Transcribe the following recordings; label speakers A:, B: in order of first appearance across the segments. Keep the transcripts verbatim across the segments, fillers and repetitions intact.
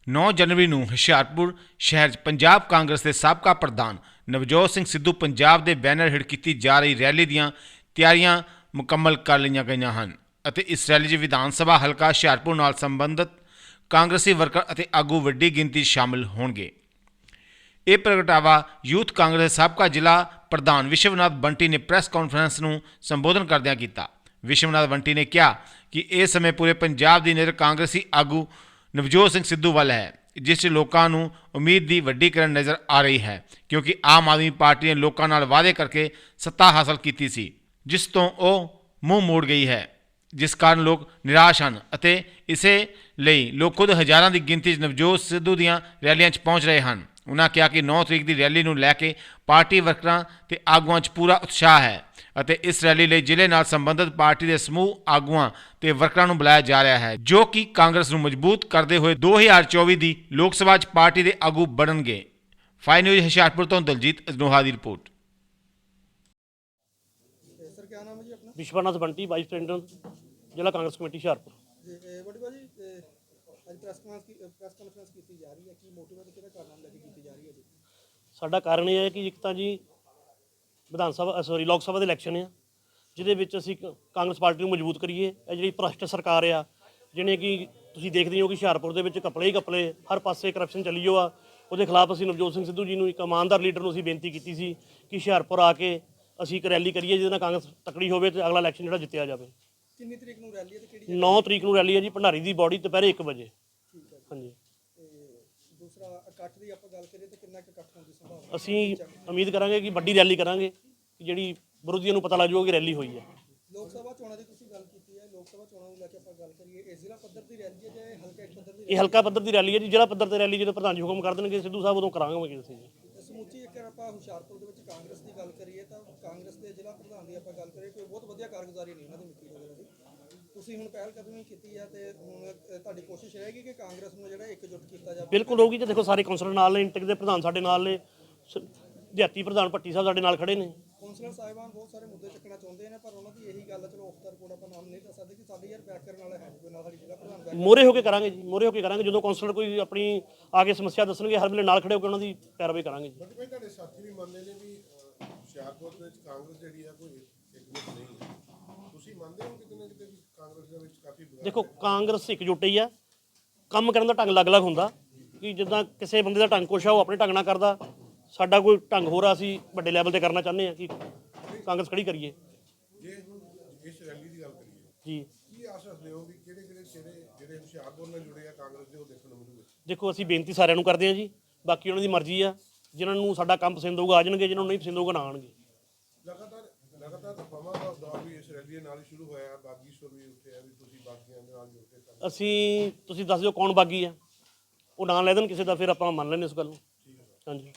A: ਨੌਂ ਜਨਵਰੀ ਨੂੰ ਹੁਸ਼ਿਆਰਪੁਰ ਸ਼ਹਿਰ 'ਚ ਪੰਜਾਬ ਕਾਂਗਰਸ ਦੇ ਸਾਬਕਾ ਪ੍ਰਧਾਨ ਨਵਜੋਤ ਸਿੰਘ ਸਿੱਧੂ ਪੰਜਾਬ ਦੇ ਬੈਨਰ ਹੇਠ ਕੀਤੀ ਜਾ ਰਹੀ ਰੈਲੀ ਦੀਆਂ ਤਿਆਰੀਆਂ ਮੁਕੰਮਲ ਕਰ ਲਈਆਂ ਗਈਆਂ ਹਨ ਅਤੇ ਇਸ ਰੈਲੀ 'ਚ ਵਿਧਾਨ ਸਭਾ ਹਲਕਾ ਹੁਸ਼ਿਆਰਪੁਰ ਨਾਲ ਸੰਬੰਧਿਤ ਕਾਂਗਰਸੀ ਵਰਕਰ ਅਤੇ ਆਗੂ ਵੱਡੀ ਗਿਣਤੀ ਸ਼ਾਮਲ ਹੋਣਗੇ। ਇਹ ਪ੍ਰਗਟਾਵਾ ਯੂਥ ਕਾਂਗਰਸ ਦੇ ਸਾਬਕਾ ਜ਼ਿਲ੍ਹਾ ਪ੍ਰਧਾਨ ਵਿਸ਼ਵਨਾਥ ਬੰਟੀ ਨੇ ਪ੍ਰੈਸ ਕਾਨਫਰੰਸ ਨੂੰ ਸੰਬੋਧਨ ਕਰਦਿਆਂ ਕੀਤਾ। ਵਿਸ਼ਵਨਾਥ ਬੰਟੀ ਨੇ ਕਿਹਾ ਕਿ ਇਸ ਸਮੇਂ ਪੂਰੇ ਪੰਜਾਬ ਦੀ ਨਜ਼ਰ ਕਾਂਗਰਸੀ ਆਗੂ ਨਵਜੋਤ ਸਿੰਘ ਸਿੱਧੂ ਵੱਲ ਹੈ, ਜਿਸ 'ਚ ਲੋਕਾਂ ਨੂੰ ਉਮੀਦ ਦੀ ਵੱਡੀ ਕਿਰਨ ਨਜ਼ਰ ਆ ਰਹੀ ਹੈ, ਕਿਉਂਕਿ ਆਮ ਆਦਮੀ ਪਾਰਟੀ ਨੇ ਲੋਕਾਂ ਨਾਲ ਵਾਅਦੇ ਕਰਕੇ ਸੱਤਾ ਹਾਸਲ ਕੀਤੀ ਸੀ, ਜਿਸ ਤੋਂ ਉਹ ਮੂੰਹ ਮੋੜ ਗਈ ਹੈ, ਜਿਸ ਕਾਰਨ ਲੋਕ ਨਿਰਾਸ਼ ਹਨ ਅਤੇ ਇਸੇ ਲਈ ਲੋਕ ਖੁਦ ਹਜ਼ਾਰਾਂ ਦੀ ਗਿਣਤੀ 'ਚ ਨਵਜੋਤ ਸਿੱਧੂ ਦੀਆਂ ਰੈਲੀਆਂ 'ਚ ਪਹੁੰਚ ਰਹੇ ਹਨ। ਉਨ੍ਹਾਂ ਕਿਹਾ ਕਿ ਨੌਂ ਤਰੀਕ ਦੀ ਰੈਲੀ ਨੂੰ ਲੈ ਕੇ ਪਾਰਟੀ ਵਰਕਰਾਂ ਤੇ ਆਗੂਆਂ 'ਚ ਪੂਰਾ ਉਤਸ਼ਾਹ ਹੈ ਅਤੇ ਇਸ ਰੈਲੀ ਲਈ ਜ਼ਿਲ੍ਹੇ ਨਾਲ ਸੰਬੰਧਿਤ ਪਾਰਟੀ ਦੇ ਸਮੂਹ ਆਗੂਆਂ ਤੇ ਵਰਕਰਾਂ ਨੂੰ ਬੁਲਾਇਆ ਜਾ ਰਿਹਾ ਹੈ, ਜੋ ਕਿ ਕਾਂਗਰਸ ਨੂੰ ਮਜ਼ਬੂਤ ਕਰਦੇ ਹੋਏ ਦੋ ਹਜ਼ਾਰ ਚੌਵੀ ਦੀ ਲੋਕ ਸਭਾ 'ਚ ਪਾਰਟੀ ਦੇ ਆਗੂ ਬਣਨਗੇ। ਫਾਈ ਨਿਊਜ਼ ਹੁਸ਼ਿਆਰਪੁਰ ਤੋਂ ਦਲਜੀਤ ਅਜਨੋਹਾ ਦੀ report.
B: Vishwanath Bunty, vice president ਜ਼ਿਲ੍ਹਾ ਕਾਂਗਰਸ ਕਮੇਟੀ ਹੁਸ਼ਿਆਰਪੁਰ। ਸਾਡਾ ਕਾਰਨ ਇਹ ਹੈ ਕਿ ਇੱਕ ਤਾਂ ਜੀ ਵਿਧਾਨ ਸਭਾ ਸੌਰੀ ਲੋਕ ਸਭਾ ਦੇ ਇਲੈਕਸ਼ਨ ਆ, ਜਿਹਦੇ ਵਿੱਚ ਅਸੀਂ ਕਾਂਗਰਸ ਪਾਰਟੀ ਨੂੰ ਮਜ਼ਬੂਤ ਕਰੀਏ। ਇਹ ਜਿਹੜੀ ਭ੍ਰਸ਼ਟ ਸਰਕਾਰ ਆ, ਜਿਹਨੇ ਕਿ ਤੁਸੀਂ ਦੇਖਦੇ ਹੋ ਕਿ ਹੁਸ਼ਿਆਰਪੁਰ ਦੇ ਵਿੱਚ ਕਪਲੇ ਹੀ ਕਪਲੇ ਹਰ ਪਾਸੇ ਕਰਪਸ਼ਨ ਚੱਲੀ ਜੋ ਆ, ਉਹਦੇ ਖਿਲਾਫ ਅਸੀਂ ਨਵਜੋਤ ਸਿੰਘ ਸਿੱਧੂ ਜੀ ਨੂੰ, ਇੱਕ ਇਮਾਨਦਾਰ ਲੀਡਰ ਨੂੰ ਅਸੀਂ ਬੇਨਤੀ ਕੀਤੀ ਸੀ ਕਿ ਹੁਸ਼ਿਆਰਪੁਰ ਆ ਕੇ ਅਸੀਂ ਇੱਕ ਰੈਲੀ ਕਰੀਏ ਜਿਹਦੇ ਨਾਲ ਕਾਂਗਰਸ ਤਕੜੀ ਹੋਵੇ ਤੇ ਅਗਲਾ ਇਲੈਕਸ਼ਨ ਜਿਹੜਾ ਜਿੱਤਿਆ ਜਾਵੇ।
A: ਕਿੰਨੀ ਤਰੀਕ ਨੂੰ ਰੈਲੀ ਹੈ ਤੇ ਕਿਹੜੀ?
B: ਨੌਂ ਤਰੀਕ ਨੂੰ ਰੈਲੀ ਹੈ ਜੀ, ਭੰਡਾਰੀ ਦੀ ਬੋਡੀ ਦੁਪਹਿਰੇ ਇੱਕ ਵਜੇ।
A: ਠੀਕ ਹੈ
B: ਹਾਂਜੀ।
A: ਤੇ ਦੂਸਰਾ ਇਕੱਠ ਦੀ ਆਪਾਂ ਗੱਲ ਕਰੀਏ ਤਾਂ ਕਿੰਨਾ ਕੁ ਇਕੱਠ ਹੋਣ ਦੀ ਸੰਭਾਵਨਾ?
B: ਅਸੀਂ ਉਮੀਦ ਕਰਾਂਗੇ ਕਿ ਵੱਡੀ ਰੈਲੀ ਕਰਾਂਗੇ ਕਿ ਜਿਹੜੀ ਵਿਰੋਧੀਆਂ ਨੂੰ ਪਤਾ ਲੱਗ ਜਾਊਗਾ ਕਿ ਰੈਲੀ ਹੋਈ ਹੈ।
A: ਲੋਕ ਸਭਾ ਚੋਣਾਂ ਦੀ ਤੁਸੀਂ ਗੱਲ ਕੀਤੀ ਹੈ, ਲੋਕ ਸਭਾ ਚੋਣਾਂ ਨੂੰ ਲੈ ਕੇ ਆਪਾਂ ਗੱਲ ਕਰੀਏ, ਇਹ ਜ਼ਿਲ੍ਹਾ ਪੱਧਰ ਦੀ ਰੈਲੀ ਹੈ ਜਾਂ ਹਲਕਾ ਪੱਧਰ ਦੀ?
B: ਇਹ ਹਲਕਾ ਪੱਧਰ ਦੀ ਰੈਲੀ ਹੈ ਜੀ। ਜ਼ਿਲ੍ਹਾ ਪੱਧਰ ਤੇ ਰੈਲੀ ਜਦੋਂ ਪ੍ਰਧਾਨ ਜੀ ਹੁਕਮ ਕਰ ਦੇਣਗੇ ਸਿੱਧੂ ਸਾਹਿਬ, ਉਦੋਂ ਕਰਾਂਗੇ ਅਸੀਂ ਜੀ।
A: ਸਮੁੱਚੀ ਇੱਕ ਆਪਾਂ ਹੁਸ਼ਿਆਰਪੁਰ ਦੇ ਵਿੱਚ ਕਾਂਗਰਸ ਦੀ ਗੱਲ ਕਰੀਏ ਤਾਂ ਕਾਂਗਰਸ ਦੇ ਜ਼ਿਲ੍ਹਾ ਪ੍ਰਧਾਨ ਦੀ ਆਪਾਂ ਗੱਲ ਕਰੀਏ, ਕੋਈ ਬਹੁਤ ਵਧੀਆ ਕਾਰਗੁਜ਼ਾਰੀ ਨਹੀਂ ਉਹਨਾਂ ਦੀ ਮਿੱਟੀ ਵਗੈਰਾ ਦੀ। ਤੁਸੀਂ ਹੁਣ ਪਹਿਲ ਕਦਮੀ ਕੀਤੀ ਹੈ ਤੇ ਹੁਣ ਤੁਹਾਡੀ ਕੋਸ਼ਿਸ਼ ਰਹੇਗੀ ਕਿ ਕਾਂਗਰਸ ਨੂੰ ਜਿਹੜਾ ਇਕਜੁੱਟ ਕੀਤਾ ਜਾਵੇ?
B: ਬਿਲਕੁਲ ਹੋਊਗੀ। ਤੇ ਦੇਖੋ ਸਾਰੇ ਕੌਂਸਲਰ ਨਾਲ ਨੇ, ਇੰਟਕ ਦੇ ਪ੍ਰਧਾਨ ਸਾਡੇ ਨਾਲ ਨੇ, ਦਿਹਾਤੀ ਪ੍ਰਧਾਨ ਭੱਟੀ ਸਾਹਿਬ ਸਾਡੇ ਨਾਲ ਖੜੇ ਨੇ।
A: ਕੌਂਸਲਰ ਸਾਹਿਬਾਨ ਬਹੁਤ ਸਾਰੇ ਮੁੱਦੇ ਚੱਕਣਾ ਚਾਹੁੰਦੇ ਨੇ, ਪਰ ਉਹਨਾਂ ਦੀ ਇਹੀ ਗੱਲ, ਚਲੋ ਆਫ ਦਾ ਰਿਕਾਰਡ ਆਪਾਂ ਨਾਮ ਨਹੀਂ ਦੱਸ ਸਕਦੇ ਕਿ ਸਾਡੇ ਯਾਰ ਬੈਕ ਕਰਨ ਵਾਲਾ ਹੈ ਕੋਈ ਨਾ, ਸਾਡੀ ਜ਼ਿਲ੍ਹਾ ਪ੍ਰਧਾਨ
B: ਮੋਹਰੇ ਹੋ ਕੇ ਕਰਾਂਗੇ ਜੀ, ਮੋਹਰੇ ਹੋ ਕੇ ਕਰਾਂਗੇ। ਜਦੋਂ ਕੌਂਸਲਰ ਕੋਈ ਆਪਣੀ ਆ ਕੇ ਸਮੱਸਿਆ ਦੱਸਣਗੇ, ਹਰ ਵੇਲੇ ਨਾਲ ਖੜੇ ਹੋ ਕੇ ਉਹਨਾਂ ਦੀ ਪੈਰਵਾਈ ਕਰਾਂਗੇ ਜੀ।
C: ਬਟ ਭਾਈ ਤੁਹਾਡੇ ਸਾਥੀ ਵੀ ਮੰਨਦੇ ਨੇ ਵੀ ਹੁਸ਼ਿਆਰਪੁਰ ਦੇ ਵਿੱਚ ਕਾਂਗਰਸ ਜਿਹੜੀ ਆ ਕੋਈ ਇਕਜੁੱਟ ਨਹੀਂ ਹੈ, ਤੁਸੀਂ ਮੰਨਦੇ ਹੋ ਕਿਤੇ ਨਾ ਕਿਤੇ ਵੀ ਕਾਂਗਰਸ ਦੇ ਵਿੱਚ ਕਾਫੀ?
B: ਦੇਖੋ ਕਾਂਗਰਸ ਇਕਜੁੱਟ ਹੀ ਆ, ਕੰਮ ਕਰਨ ਦਾ ਢੰਗ ਅਲੱਗ-ਅਲੱਗ ਹੁੰਦਾ ਕਿ ਜਿੱਦਾਂ ਕਿਸੇ ਬੰਦੇ ਦਾ ਢੰਗ ਕੁਛ ਆ ਉਹ ਆਪਣੇ ਢੰਗ ਨਾਲ ਕਰਦਾ, ਸਾਡਾ ਕੋਈ ਢੰਗ ਹੋਰ ਆ, ਅਸੀਂ ਵੱਡੇ ਲੈਵਲ ਤੇ ਕਰਨਾ ਚਾਹੁੰਦੇ ਆ ਕਿ ਕਾਂਗਰਸ ਖੜੀ ਕਰੀਏ।
C: ਜੇ ਹੁਣ ਇਸ ਰੈਲੀ ਦੀ ਗੱਲ ਕਰੀਏ
B: ਜੀ,
C: ਕੀ ਆਸ ਰੱਖਦੇ ਹੋ ਵੀ ਕਿਹੜੇ ਕਿਹੜੇ ਚਿਹਰੇ ਜਿਹੜੇ ਹੁਸ਼ਿਆਰਪੁਰ ਨਾਲ ਜੁੜੇ ਆ ਕਾਂਗਰਸ ਦੇ ਉਹ ਦੇਖਣ ਨੂੰ ਮਿਲੂਗੇ?
B: ਦੇਖੋ ਅਸੀਂ ਬੇਨਤੀ ਸਾਰਿਆਂ ਨੂੰ ਕਰਦੇ ਹਾਂ ਜੀ, ਬਾਕੀ ਉਹਨਾਂ ਦੀ ਮਰਜ਼ੀ ਆ, ਜਿਨ੍ਹਾਂ ਨੂੰ ਸਾਡਾ ਕੰਮ ਪਸੰਦ ਹੋਊਗਾ ਆ ਜਾਣਗੇ, ਜਿਹਨਾਂ ਨੂੰ ਨਹੀਂ ਪਸੰਦ ਹੋਊਗਾ ਨਾ ਆਉਣਗੇ।
C: ਲਗਾਤਾਰ ਲਗਾਤਾਰ ਅਫਵਾਹਾਂ ਦਾ ਦੌਰ ਵੀ ਇਸ ਰੈਲੀ ਦੇ ਨਾਲ ਹੀ ਸ਼ੁਰੂ ਹੋਇਆ, ਬਾਗੀ ਸੁਰ ਵੀ ਉੱਠੇ ਆ ਵੀ ਤੁਸੀਂ ਬਾਗੀਆਂ ਦੇ ਨਾਲ ਜੁੜ ਕੇ ਕੰਮ।
B: ਅਸੀਂ ਤੁਸੀਂ ਦੱਸ ਦਿਓ ਕੌਣ ਬਾਗੀ ਆ, ਉਹ ਨਾਂ ਲੈ ਦੇਣ ਕਿਸੇ ਦਾ, ਫਿਰ ਆਪਾਂ ਮੰਨ ਲੈਂਦੇ ਇਸ ਗੱਲ ਨੂੰ। ਹਾਂਜੀ।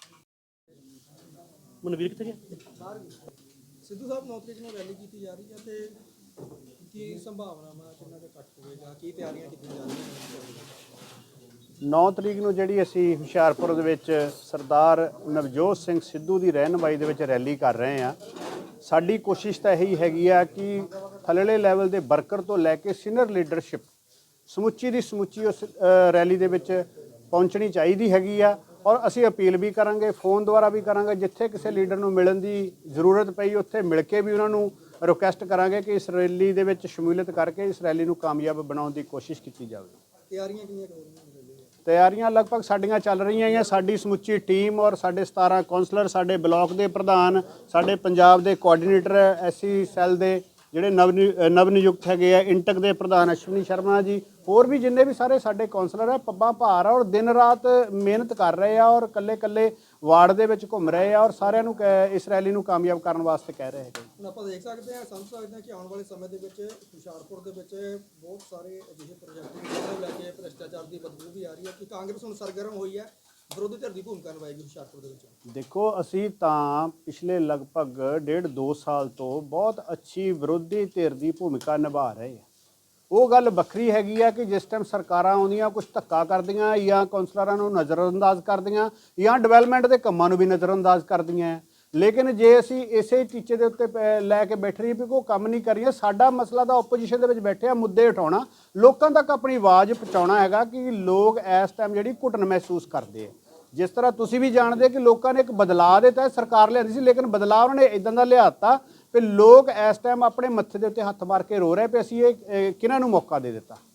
B: ਮਨਵੀਰ ਕਿੱਥੇ ਗਿਆ?
A: ਸਿੱਧੂ ਸਾਹਿਬ ਨੌ ਤਰੀਕ ਨੂੰ ਰੈਲੀ ਕੀਤੀ ਜਾ ਰਹੀ ਹੈ ਤੇ ਕੀ ਸੰਭਾਵਨਾਵਾਂ, ਕਿੰਨਾ ਕੁ ਇਕੱਠ ਹੋਵੇਗਾ, ਕੀ ਤਿਆਰੀਆਂ ਕੀਤੀਆਂ ਜਾ ਰਹੀਆਂ?
D: ਨੌਂ ਤਰੀਕ ਨੂੰ ਜਿਹੜੀ ਅਸੀਂ ਹੁਸ਼ਿਆਰਪੁਰ ਦੇ ਵਿੱਚ ਸਰਦਾਰ ਨਵਜੋਤ ਸਿੰਘ ਸਿੱਧੂ ਦੀ ਰਹਿਨੁਮਾਈ ਦੇ ਵਿੱਚ ਰੈਲੀ ਕਰ ਰਹੇ ਹਾਂ। ਸਾਡੀ ਕੋਸ਼ਿਸ਼ ਤਾਂ ਇਹੀ ਹੈਗੀ ਆ ਕਿ ਥੱਲੜੇ ਲੈਵਲ ਦੇ ਵਰਕਰ ਤੋਂ ਲੈ ਕੇ ਸੀਨੀਅਰ ਲੀਡਰਸ਼ਿਪ ਸਮੁੱਚੀ ਦੀ ਸਮੁੱਚੀ ਉਸ ਰੈਲੀ ਦੇ ਵਿੱਚ ਪਹੁੰਚਣੀ ਚਾਹੀਦੀ ਹੈਗੀ ਆ। ਔਰ ਅਸੀਂ ਅਪੀਲ ਵੀ ਕਰਾਂਗੇ, ਫੋਨ ਦੁਆਰਾ ਵੀ ਕਰਾਂਗੇ, ਜਿੱਥੇ ਕਿਸੇ ਲੀਡਰ ਨੂੰ ਮਿਲਣ ਦੀ ਜ਼ਰੂਰਤ ਪਈ ਉੱਥੇ ਮਿਲ ਕੇ ਵੀ ਉਹਨਾਂ ਨੂੰ ਰਿਕੁਐਸਟ ਕਰਾਂਗੇ ਕਿ ਇਸ ਰੈਲੀ ਦੇ ਵਿੱਚ ਸ਼ਮੂਲੀਅਤ ਕਰਕੇ ਇਸ ਰੈਲੀ ਨੂੰ ਕਾਮਯਾਬ ਬਣਾਉਣ ਦੀ ਕੋਸ਼ਿਸ਼ ਕੀਤੀ ਜਾਵੇ।
A: ਤਿਆਰੀਆਂ ਕਿੰਨੀਆਂ ਹੋ ਰਹੀਆਂ?
D: ਤਿਆਰੀਆਂ ਲਗਭਗ ਸਾਡੀਆਂ ਚੱਲ ਰਹੀਆਂ ਹੀ ਆ। ਸਾਡੀ ਸਮੁੱਚੀ ਟੀਮ ਔਰ ਸਾਡੇ ਸਤਾਰਾਂ ਕੌਂਸਲਰ, ਸਾਡੇ ਬਲਾਕ ਦੇ ਪ੍ਰਧਾਨ, ਸਾਡੇ ਪੰਜਾਬ ਦੇ ਕੋਆਰਡੀਨੇਟਰ ਐਸਸੀ ਸੈੱਲ ਦੇ ਜਿਹੜੇ ਨਵ ਨਵ ਨਿਯੁਕਤ ਹੈਗੇ ਆ, ਇੰਟਕ ਦੇ ਪ੍ਰਧਾਨ ਅਸ਼ਵਨੀ ਸ਼ਰਮਾ ਜੀ, ਹੋਰ ਵੀ ਜਿੰਨੇ ਵੀ ਸਾਰੇ ਸਾਡੇ ਕੌਂਸਲਰ ਆ, ਪੱਬਾਂ ਭਾਰ ਆ ਔਰ ਦਿਨ ਰਾਤ ਮਿਹਨਤ ਕਰ ਰਹੇ ਆ ਔਰ ਕੱਲੇ ਕੱਲੇ ਵਾਰਡ ਦੇ ਵਿੱਚ ਘੁੰਮ ਰਹੇ ਆ ਔਰ ਸਾਰਿਆਂ ਨੂੰ ਇਸ ਰੈਲੀ ਨੂੰ ਕਾਮਯਾਬ ਕਰਨ ਵਾਸਤੇ ਕਹਿ ਰਹੇ ਹੈਗੇ।
A: ਹੁਣ ਆਪਾਂ ਦੇਖ ਸਕਦੇ ਹਾਂ, ਸਮਝ ਸਕਦੇ ਹਾਂ ਕਿ ਆਉਣ ਵਾਲੇ ਸਮੇਂ ਦੇ ਵਿੱਚ ਹੁਸ਼ਿਆਰਪੁਰ ਦੇ ਵਿੱਚ ਬਹੁਤ ਸਾਰੇ ਅਜਿਹੇ ਪ੍ਰੋਜੈਕਟ ਨੂੰ ਲੈ ਕੇ ਭ੍ਰਿਸ਼ਟਾਚਾਰ ਦੀ ਬਦਬੂ ਵੀ ਆ ਰਹੀ ਹੈ ਕਿ ਕਾਂਗਰਸ ਹੁਣ ਸਰਗਰਮ ਹੋਈ ਹੈ, ਵਿਰੋਧੀ ਧਿਰ ਦੀ ਭੂਮਿਕਾ ਨਿਭਾਏਗੀ ਹੁਸ਼ਿਆਰਪੁਰ ਦੇ ਵਿੱਚ।
D: ਦੇਖੋ ਅਸੀਂ ਤਾਂ ਪਿਛਲੇ ਲਗਭਗ ਡੇਢ ਦੋ ਸਾਲ ਤੋਂ ਬਹੁਤ ਅੱਛੀ ਵਿਰੋਧੀ ਧਿਰ ਦੀ ਭੂਮਿਕਾ ਨਿਭਾ ਰਹੇ ਆ। ਉਹ ਗੱਲ ਵੱਖਰੀ ਹੈਗੀ ਆ ਕਿ ਜਿਸ ਟਾਈਮ ਸਰਕਾਰਾਂ ਆਉਂਦੀਆਂ ਕੁਝ ਧੱਕਾ ਕਰਦੀਆਂ ਜਾਂ ਕੌਂਸਲਰਾਂ ਨੂੰ ਨਜ਼ਰਅੰਦਾਜ਼ ਕਰਦੀਆਂ ਜਾਂ ਡਿਵੈਲਪਮੈਂਟ ਦੇ ਕੰਮਾਂ ਨੂੰ ਵੀ ਨਜ਼ਰਅੰਦਾਜ਼ ਕਰਦੀਆਂ। ਲੇਕਿਨ ਜੇ ਅਸੀਂ ਇਸੇ ਟੀਚੇ ਦੇ ਉੱਤੇ ਪੈ- ਲੈ ਕੇ ਬੈਠ ਰਹੀਏ ਵੀ ਕੋਈ ਕੰਮ ਨਹੀਂ ਕਰ ਰਹੀਏ, ਸਾਡਾ ਮਸਲਾ ਤਾਂ ਆਪੋਜੀਸ਼ਨ ਦੇ ਵਿੱਚ ਬੈਠਿਆ ਮੁੱਦੇ ਉਠਾਉਣਾ, ਲੋਕਾਂ ਤੱਕ ਆਪਣੀ ਆਵਾਜ਼ ਪਹੁੰਚਾਉਣਾ ਹੈਗਾ ਕਿ ਲੋਕ ਇਸ ਟਾਈਮ ਜਿਹੜੀ ਘੁਟਨ ਮਹਿਸੂਸ ਕਰਦੇ ਆ। ਜਿਸ ਤਰ੍ਹਾਂ ਤੁਸੀਂ ਵੀ ਜਾਣਦੇ ਕਿ ਲੋਕਾਂ ਨੇ ਇੱਕ ਬਦਲਾਅ ਦੇ ਤਹਿਤ ਸਰਕਾਰ ਲਿਆਂਦੀ ਸੀ, ਲੇਕਿਨ ਬਦਲਾਅ ਉਹਨਾਂ ਨੇ ਇਦਾਂ ਦਾ ਲਿਆਤਾ ਵੀ ਲੋਕ ਇਸ ਟਾਈਮ ਆਪਣੇ ਮੱਥੇ ਦੇ ਉੱਤੇ ਹੱਥ ਮਾਰ ਕੇ ਰੋ ਰਹੇ ਪਏ ਅਸੀਂ ਇਹ ਇਹ ਕਿਹਨਾਂ ਨੂੰ ਮੌਕਾ ਦੇ ਦਿੱਤਾ।